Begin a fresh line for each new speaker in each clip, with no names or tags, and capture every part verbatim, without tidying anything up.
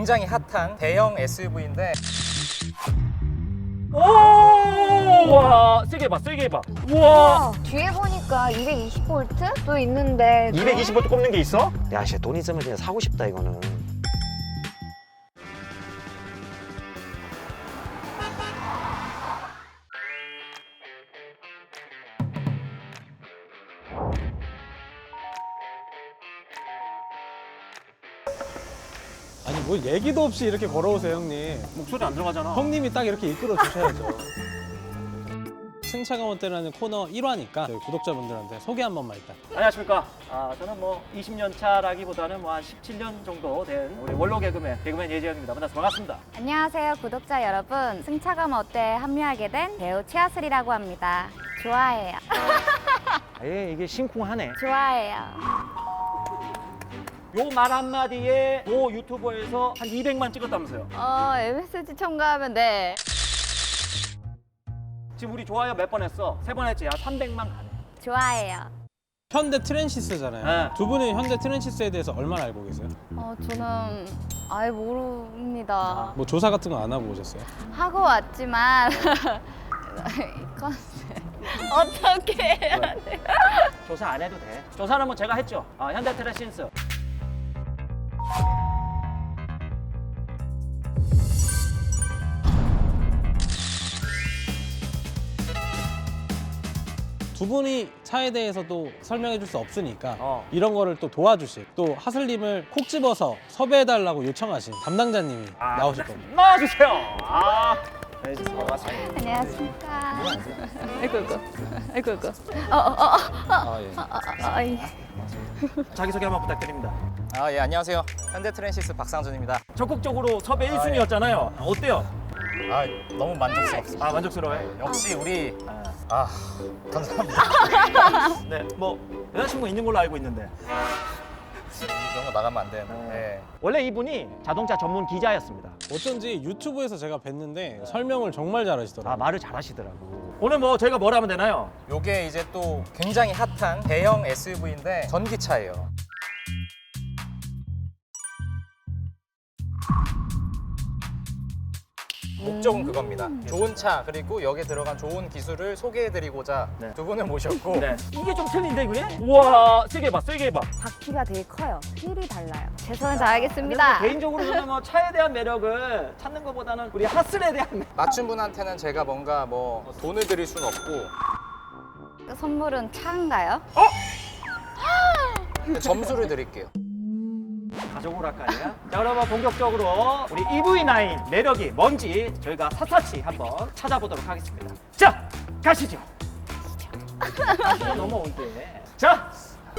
굉장히 핫한 대형 에스유브이인데
오! 와, 세게 해봐, 세게 해봐. 우와!
뒤에 보니까 이백이십 볼트도 있는데
이백이십 볼트 꼽는 게 있어?
야, 진짜 돈 있으면 그냥 사고 싶다 이거는.
아니 뭐 얘기도 없이 이렇게 걸어오세요 형님.
목소리 안 들어가잖아.
형님이 딱 이렇게 이끌어 주셔야죠. 승차감 어때라는 코너 일 화니까 저희 구독자분들한테 소개 한 번만 일단.
안녕하십니까. 아, 저는 뭐 이십 년 차라기보다는 뭐 한 십칠 년 정도 된 우리 원로 개그맨, 개그맨 예지영입니다. 만나서 반갑습니다.
안녕하세요 구독자 여러분. 승차감 어때에 합류하게 된 배우 최하슬이라고 합니다. 좋아해요.
예, 이게 심쿵하네.
좋아해요.
요 말 한마디에 모 유튜버에서 한 이백만 찍었다면서요.
어 엠에스지 첨가하면 네.
지금 우리 좋아요 몇 번 했어? 세 번 했지? 한 삼백만 가네.
좋아해요.
현대 트랜시스잖아요.
네.
두 분은 현대 트랜시스에 대해서 얼마나 알고 계세요?
어 저는 아예 모릅니다.
뭐 조사 같은 거 안 하고 오셨어요?
하고 왔지만 이 컨셉 어떻게 해야 돼?
조사 안 해도 돼. 조사는 뭐 제가 했죠. 아, 현대 트랜시스.
두 분이 차에 대해서도 설명해 줄 수 없으니까
어.
이런 거를 또 도와주실 또 하슬님을 콕 집어서 섭외해달라고 요청하신 담당자님이
아,
나오실 겁니다.
나와주세요. 아, 네, 반갑습니다.
안녕하십니까. 아이고 아이고 아이고 아이고. 어어어어
아, 예.
아, 예.
자기소개 한번 부탁드립니다.
아, 예, 안녕하세요. 현대 트랜시스 박상준입니다.
적극적으로 섭외 일 순위였잖아요. 어때요?
아, 너무 만족스럽습니다.
아, 만족스러워요?
역시 우리
아,
아, 감사합니다.
네, 뭐 여자친구 있는 걸로 알고 있는데.
이런 거 나가면 안 되는데. 네.
원래 이분이 자동차 전문 기자였습니다.
어쩐지 유튜브에서 제가 뵀는데 설명을 정말 잘하시더라고요.
아, 말을 잘하시더라고. 오늘 뭐 저희가 뭘 하면 되나요?
요게 이제 또 굉장히 핫한 대형 에스유브이인데 전기차예요. 목적은 그겁니다. 좋은 차 그리고 여기에 들어간 좋은 기술을 소개해드리고자
네.
두 분을 모셨고
네. 이게 좀 틀린데 그게? 우와, 세게 해봐, 세게 해봐.
바퀴가 되게 커요. 휠이 달라요. 최선을 다하겠습니다.
개인적으로 저는 뭐 차에 대한 매력을 찾는 것보다는 우리 하슬에 대한 매력.
맞춘 분한테는 제가 뭔가 뭐 돈을 드릴 수는 없고
선물은 차인가요?
점수를 드릴게요.
가져오랄까요? 자, 그러면 본격적으로 우리 이브이 나인 매력이 뭔지 저희가 샅샅이 한번 찾아보도록 하겠습니다. 자, 가시죠. 가시죠. 너무 올드해. 자,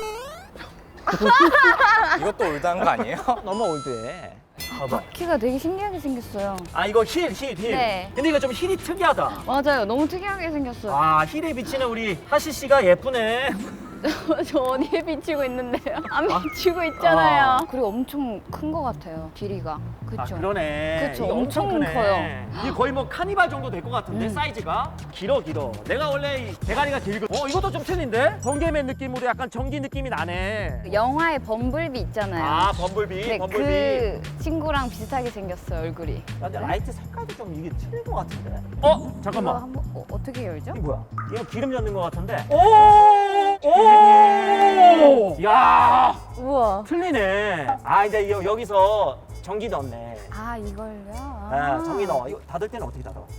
이것도 올드한 거 아니에요?
너무 올드해. 봐봐.
바퀴가 되게 신기하게 생겼어요.
아, 이거 힐, 힐, 힐.
네.
근데 이거 좀 힐이 특이하다.
맞아요. 너무 특이하게 생겼어요.
아, 힐에 비치는 우리 하시 씨가 예쁘네.
저 어디에 비치고 있는데요? 안 비치고 있잖아요.
아.
그리고 엄청 큰 것 같아요. 길이가. 그쵸?
아, 그러네.
그쵸,
이게
엄청
크네.
커요.
이게 거의 뭐 카니발 정도 될 것 같은데
음.
사이즈가 길어 길어. 내가 원래 이 대가리가 길고. 어, 이것도 좀 틀린데? 번개맨 느낌으로 약간 전기 느낌이 나네.
영화에 범블비 있잖아요.
아, 범블비,
네,
범블비.
그 친구랑 비슷하게 생겼어요, 얼굴이.
근데 라이트 색깔도 좀 이게 틀린 것 같은데? 어?
이거
잠깐만.
한번 어, 어떻게 열죠?
이게 뭐야? 이거 기름 넣는 것 같은데? 오! 오! 야!
우와.
틀리네. 아, 이제 여, 여기서 전기 넣네.
아, 이걸요?
아, 전기 넣어. 이거 닫을 때는 어떻게 닫아?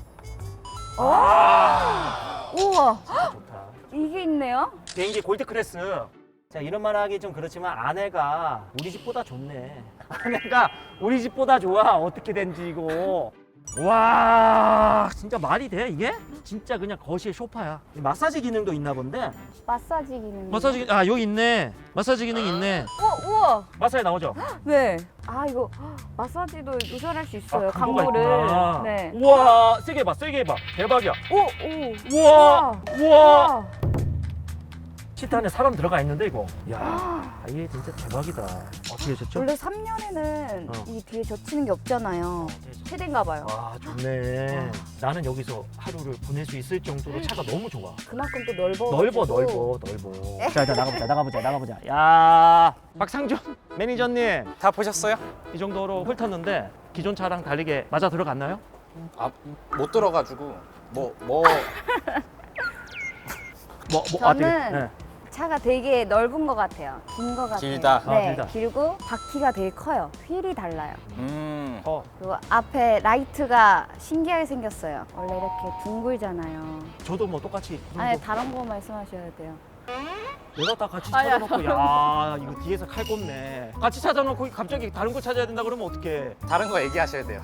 우와.
좋다.
이게 있네요?
비행기 골드 클래스. 자, 이런 말 하기 좀 그렇지만 아내가 우리 집보다 좋네. 아내가 우리 집보다 좋아. 어떻게 된지 이거. 와, 진짜 말이 돼 이게? 진짜 그냥 거실 소파야. 마사지 기능도 있나 본데.
마사지 기능.
마사지 아 여기 있네. 마사지 기능 있네.
우와, 우와.
마사지 나오죠?
네. 아, 이거 마사지도 요절할 수 있어요.
강도가
강도를.
있구나.
네.
우와, 세게 해봐, 세게 해봐. 대박이야.
오, 오.
우와, 우와.
우와.
시트 안에 사람 들어가 있는데 이거. 야, 이게 진짜 대박이다. 어떻게 하셨죠?
원래 삼 년에는
어.
이 뒤에 젖히는 게 없잖아요. 최대인가 봐요.
와, 좋네. 나는 여기서 하루를 보낼 수 있을 정도로 차가 너무 좋아.
그만큼 또 넓어.
넓어, 넓어, 넓어. 자, 일단 나가보자, 나가보자, 나가보자. 야, 박상준 매니저님,
다 보셨어요?
이 정도로 훑었는데 기존 차랑 다르게 맞아 들어갔나요?
아, 못 들어가지고 뭐 뭐
뭐, 뭐,
저는
되게, 네.
차가 되게 넓은 것 같아요. 긴 것 같아요.
길다.
네,
아, 길다.
길고 바퀴가 되게 커요. 휠이 달라요.
음.
어,
그리고 앞에 라이트가 신기하게 생겼어요. 원래 이렇게 둥글잖아요.
저도 뭐 똑같이. 그
아니
정도.
다른 거 말씀하셔야 돼요.
내가 다 같이
아니야,
찾아놓고, 야, 이거 뒤에서 칼 꼽네. 같이 찾아놓고 갑자기 다른 거 찾아야 된다 그러면 어떡해.
다른 거 얘기하셔야 돼요.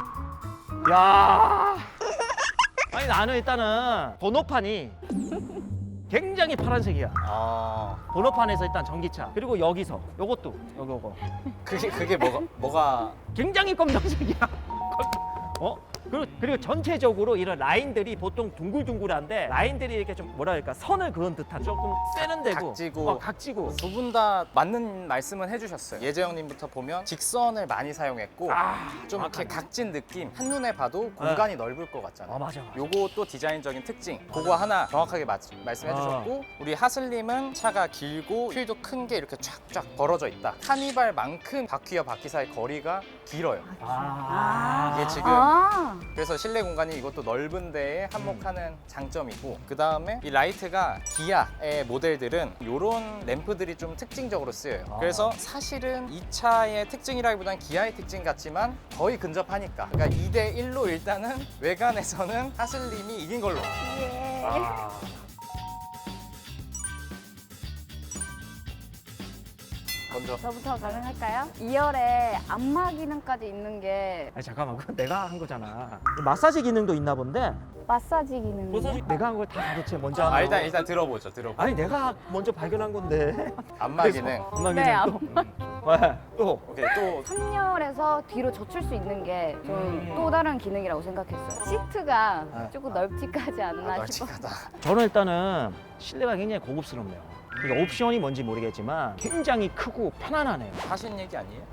야, 아니 나는 일단은 번호판이 굉장히 파란색이야.
아,
번호판에서 일단 전기차. 그리고 여기서 요것도 요거 요거
그게 그게 뭐가 뭐가
굉장히 검정색이야. 어? 그리고, 그리고 전체적으로 이런 라인들이 보통 둥글둥글한데 라인들이 이렇게 좀 뭐라 할까 선을 그은 듯한 조금 세련되고
각지고.
어, 각지고.
두 분 다 맞는 말씀은 해주셨어요. 예재영님부터 보면 직선을 많이 사용했고
아,
좀 이렇게
정확하네.
각진 느낌, 한눈에 봐도 공간이 넓을 것 같잖아요.
아 맞아 맞아.
요것도 디자인적인 특징, 그거 하나 정확하게 마- 말씀해
아.
주셨고 우리 하슬님은 차가 길고 휠도 큰 게 이렇게 쫙쫙 벌어져 있다. 카니발만큼 바퀴와 바퀴 사이 거리가 길어요.
아,
이게 지금
아,
그래서 실내 공간이 이것도 넓은 데에 한몫하는 장점이고 그 다음에 이 라이트가 기아의 모델들은 이런 램프들이 좀 특징적으로 쓰여요.
아.
그래서 사실은 이 차의 특징이라기보다는 기아의 특징 같지만 거의 근접하니까 그러니까 이 대 일로 일단은 외관에서는 하슬님이 이긴 걸로.
예.
아.
먼저
저부터 가능할까요? 이 열에 안마 기능까지 있는 게
아니 잠깐만 그건 내가 한 거잖아. 마사지 기능도 있나 본데.
마사지 기능.
마사지 내가 한 걸 다 가르쳐 먼저
아,
하는
일단
거.
일단 들어보죠. 들어보.
아니 내가 먼저 발견한 건데.
안마 기능.
안마
네,
기능 또. 왜? 또.
오케이 또
삼 열에서 뒤로 젖힐 수 있는 게 좀 또 다른 기능이라고 생각했어요. 시트가
네.
조금 널찍하지 않나
아,
싶어.
널찍하다.
저는 일단은 실내가 굉장히 고급스럽네요. 이게 옵션이 뭔지 모르겠지만 굉장히 크고 편안하네요.
하신 얘기 아니에요?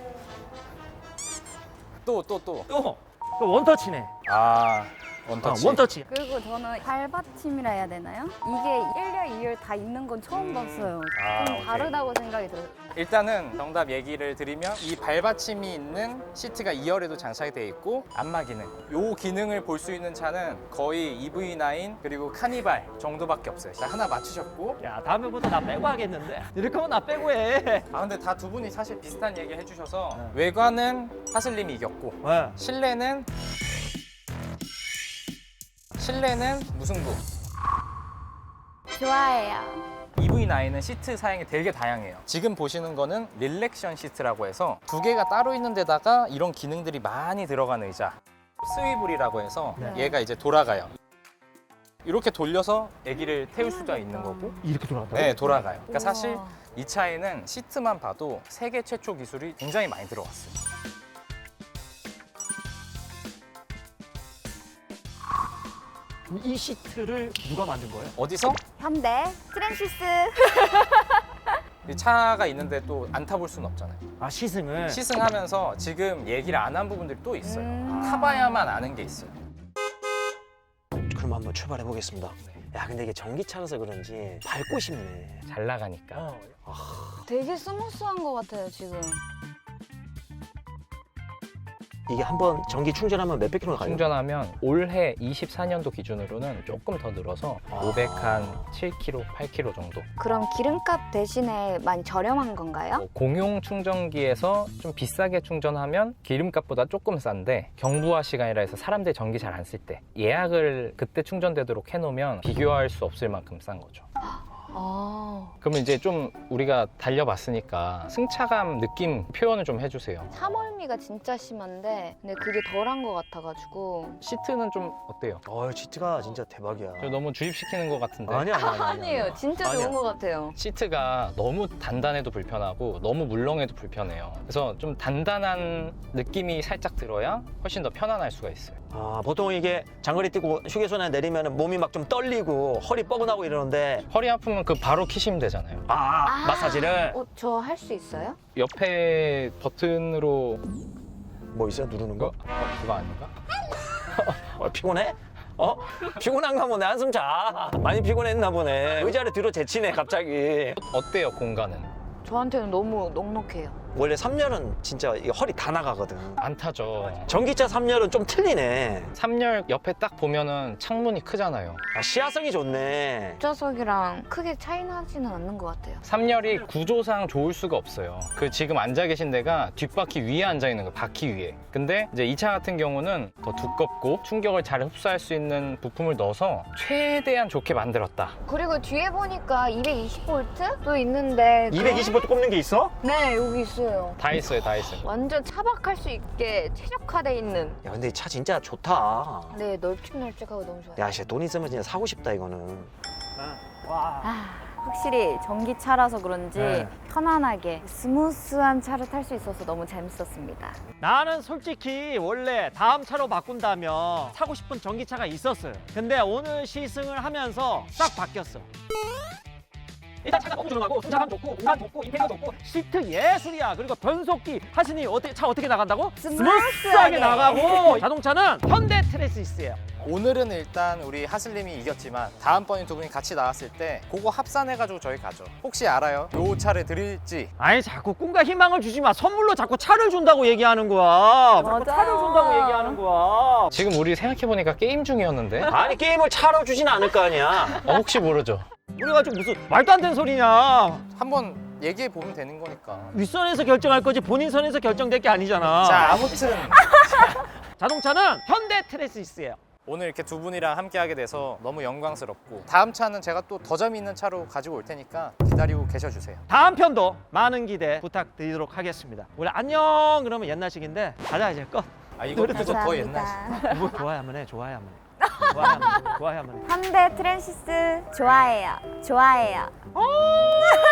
또 또 또.
또 그 원터치네.
아
아,
원터치.
원터치.
그리고 저는 발받침이라 해야 되나요? 이게 일 열, 이 열 다 있는 건 처음 봤어요.
아,
좀
오케이.
다르다고 생각이 들어요.
일단은 정답 얘기를 드리면 이 발받침이 있는 시트가 이 열에도 장착이 되어 있고 안마 기능 요 기능을 볼 수 있는 차는 거의 이브이 나인 그리고 카니발 정도밖에 없어요. 자, 하나 맞추셨고
야 다음에부터 나 빼고 하겠는데. 이렇게 하면 나 빼고 해.
아 근데 다 두 분이 사실 비슷한 얘기 해주셔서
네.
외관은 하슬님이 이겼고
왜?
실내는 실내는 무승부.
좋아해요.
이브이 나인은 시트 사양이 되게 다양해요. 지금 보시는 거는 릴렉션 시트라고 해서 두 개가 따로 있는 데다가 이런 기능들이 많이 들어간 의자. 스위블이라고 해서
네.
얘가 이제 돌아가요. 이렇게 돌려서 아기를 태울 수가 있는 거고
이렇게 돌아간다고?
네, 돌아가요. 그러니까
우와.
사실 이 차에는 시트만 봐도 세계 최초 기술이 굉장히 많이 들어갔어요.
이 시트를 누가 만든 거예요?
어디서?
현대 트랜시스.
이 차가 있는데 또 안 타볼 수는 없잖아요.
아 시승을.
시승하면서 지금 얘기를 안 한 부분들이 또 있어요.
음.
타봐야만 아는 게 있어요.
그럼 한번 출발해 보겠습니다. 야 근데 이게 전기차라서 그런지 밟고 싶네.
잘 나가니까.
되게 스무스한 것 같아요 지금.
이게 한번 전기 충전하면 몇백 킬로 가요?
충전하면 올해 이십사 년도 기준으로는 조금 더 늘어서
아.
오백칠 킬로미터, 팔 킬로미터 정도.
그럼 기름값 대신에 많이 저렴한 건가요?
뭐 공용 충전기에서 좀 비싸게 충전하면 기름값보다 조금 싼데 경부화 시간이라 해서 사람들이 전기 잘 안 쓸 때 예약을 그때 충전되도록 해놓으면 비교할 수 없을 만큼 싼 거죠.
아,
그러면 이제 좀 우리가 달려봤으니까 승차감 느낌 표현을 좀 해주세요.
차멀미가 진짜 심한데 근데 그게 덜한 것 같아가지고.
시트는 좀 어때요?
어 시트가 진짜 대박이야.
저 너무 주입시키는 것 같은데.
아니야 아니야 아니야.
아니에요, 진짜
아니야.
좋은 것 같아요.
시트가 너무 단단해도 불편하고 너무 물렁해도 불편해요. 그래서 좀 단단한 느낌이 살짝 들어야 훨씬 더 편안할 수가 있어요.
아, 보통 이게 장거리 뛰고 휴게소나 내리면 몸이 막 좀 떨리고 허리 뻐근하고 이러는데
허리 아프면 그 바로 키시면 되잖아요.
아, 마사지를
어, 저 할 수 있어요?
옆에 버튼으로
뭐 있어요? 누르는 거?
어, 그거 아닌가?
어, 피곤해? 어? 피곤한가 보네. 한숨 자. 많이 피곤했나 보네. 의자를 뒤로 제치네 갑자기.
어때요 공간은?
저한테는 너무 넉넉해요.
원래 삼 열은 진짜 이게 허리 다 나가거든.
안 타죠.
전기차 삼 열은 좀 틀리네.
삼 열 옆에 딱 보면은 창문이 크잖아요.
아, 시야성이 좋네.
뒷좌석이랑 크게 차이 나지는 않는 것 같아요.
삼 열이 구조상 좋을 수가 없어요. 그 지금 앉아 계신 데가 뒷바퀴 위에 앉아 있는 거예요. 바퀴 위에. 근데 이제 이 차 같은 경우는 더 두껍고 충격을 잘 흡수할 수 있는 부품을 넣어서 최대한 좋게 만들었다.
그리고 뒤에 보니까 이백이십 볼트도 있는데
이백이십 볼트 꼽는 게 있어?
네, 여기 있어요.
다 있어요, 다 있어요.
완전 차박할 수 있게 최적화돼 있는.
야, 근데 이 차 진짜 좋다.
네, 널찍널찍하고 너무 좋아요.
야, 진짜 돈 있으면 진짜 사고 싶다 이거는.
와.
아, 확실히 전기차라서 그런지
네.
편안하게 스무스한 차를 탈 수 있어서 너무 재밌었습니다.
나는 솔직히 원래 다음 차로 바꾼다면 사고 싶은 전기차가 있었어요. 근데 오늘 시승을 하면서 싹 바뀌었어. 일단 차가 너무 조용하고 승차감 좋고 공간 좋고 인테리어 좋고 시트 예술이야. 그리고 변속기 하시니 어떻게 차 어떻게 나간다고? 스무스하게 나가고 자동차는 현대 트레시스예요.
오늘은 일단 우리 하슬님이 이겼지만 다음번에 두 분이 같이 나왔을 때 그거 합산해가지고 저희 가죠. 혹시 알아요? 요 차를 드릴지.
아니 자꾸 꿈과 희망을 주지 마. 선물로 자꾸 차를 준다고 얘기하는 거야. 자꾸
맞아.
차를 준다고 얘기하는 거야.
지금 우리 생각해보니까 게임 중이었는데?
아니 게임을 차로 주진 않을 거 아니야.
어, 혹시 모르죠?
우리가 지금 무슨 말도 안 되는 소리냐.
한번 얘기해보면 되는 거니까.
윗선에서 결정할 거지 본인 선에서 결정될 게 아니잖아.
자, 아무튼
자동차는 현대 트레시스예요.
오늘 이렇게 두 분이랑 함께 하게 돼서 너무 영광스럽고 다음 차는 제가 또 더 재미있는 차로 가지고 올 테니까 기다리고 계셔주세요.
다음 편도 많은 기대 부탁드리도록 하겠습니다. 우리 안녕 그러면 옛날식인데 가자 이제 끝.
아, 이거 그거 더 옛날.
뭐 좋아야만 해 좋아야만 해. 좋아야만 해 좋아야만 해.
현대 트랜시스 좋아해요. 좋아해요.
어!